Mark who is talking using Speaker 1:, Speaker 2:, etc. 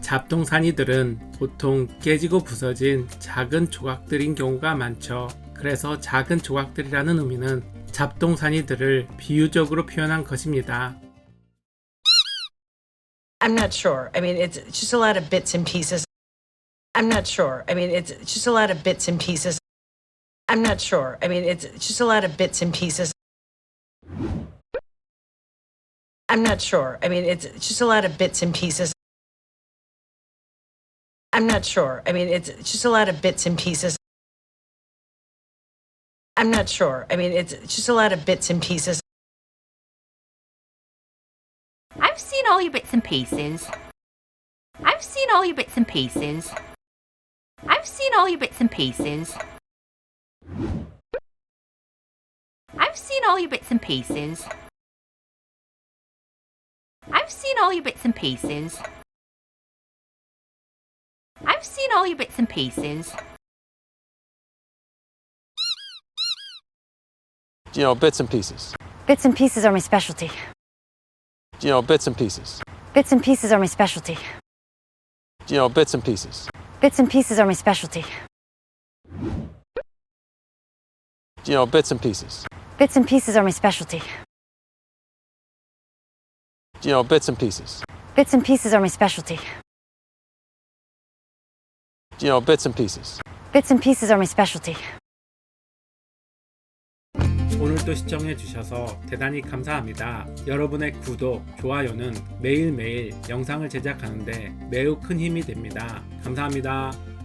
Speaker 1: 잡동사니들은 보통 깨지고 부서진 작은 조각들인 경우가 많죠. 그래서 작은 조각들이라는 의미는 잡동사니들을 비유적으로 표현한 것입니다.
Speaker 2: I'm not sure. I mean, it's just a lot of bits and pieces. I'm not sure. I mean, it's just a lot of bits and pieces. I'm not sure. I mean, it's just a lot of bits and pieces. I'm not sure. I mean, it's just a lot of bits and pieces. I'm not sure. I mean, it's just a lot of bits and pieces. I'm not sure. I mean, it's just a lot of bits and pieces.
Speaker 3: I've seen all your bits and pieces. I've seen all your bits and pieces. I've seen all your bits and pieces. I've seen all your bits and pieces. I've seen all your bits and pieces. I've seen all your bits and pieces.
Speaker 4: You know, bits and pieces.
Speaker 5: Bits and pieces are my specialty.
Speaker 4: You know, bits and pieces.
Speaker 5: Bits and pieces are my specialty.
Speaker 4: You know, bits and pieces.
Speaker 5: Bits and pieces are my specialty.
Speaker 4: You know, bits and pieces.
Speaker 5: Bits and pieces are my specialty.
Speaker 4: You know, bits and pieces.
Speaker 5: Bits and pieces are my specialty.
Speaker 4: You know, bits and pieces.
Speaker 5: Bits and pieces are my specialty.
Speaker 1: 오늘도 시청해주셔서 대단히 감사합니다. 여러분의 구독, 좋아요는 매일매일 영상을 제작하는데 매우 큰 힘이 됩니다. 감사합니다.